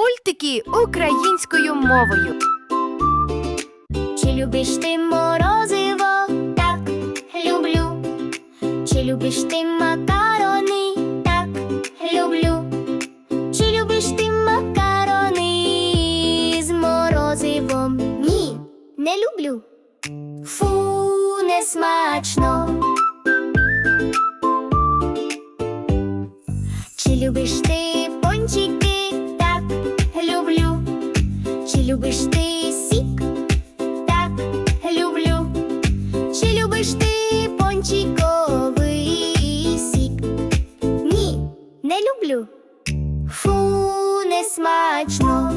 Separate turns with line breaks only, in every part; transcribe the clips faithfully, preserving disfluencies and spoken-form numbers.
Мультики українською мовою.
Чи любиш ти морозиво? Так, люблю. Чи любиш ти макарони? Так, люблю. Чи любиш ти макарони з морозивом? Ні, не люблю. Фу, не смачно. Чи любиш ти пончики? Так, люблю. Чи любиш ти сік? Так, люблю. Чи любиш ти пончиковий сік? Ні, не люблю. Фу, не смачно.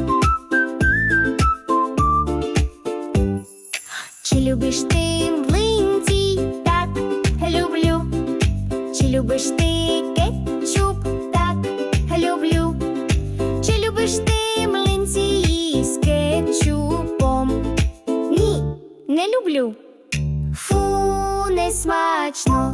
Чи любиш ти млинці? Так, люблю. Чи любиш ти кетчуп? Так, люблю. Чи любиш ти млинці з кетчупом? Ні, не люблю. Фу, не смачно.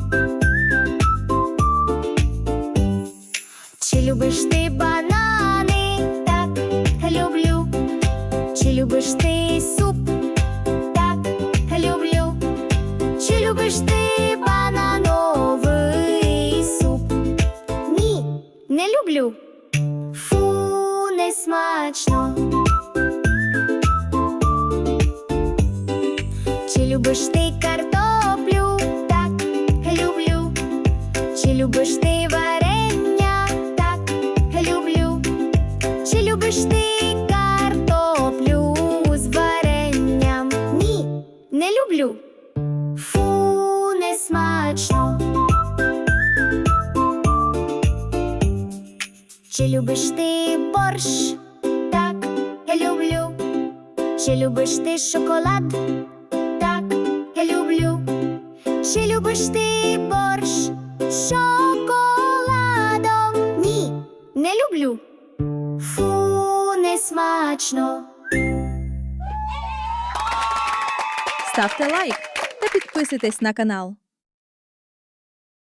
Чи любиш ти банани? Так, люблю. Чи любиш ти суп? Так, люблю. Чи любиш ти банановий суп? Ні, не люблю. Фу, не смачно. Чи любиш ти картоплю? Так, люблю. Чи любиш ти варення? Так, люблю. Чи любиш ти картоплю з варенням? Ні, не люблю. Фу, не смачно. Чи любиш ти борщ? Так, люблю. Чи любиш ти шоколад? Так, люблю. Чи любиш ти борщ з шоколадом? Ні, не люблю. Фу, не смачно.
Ставте лайк та підписуйтесь на канал.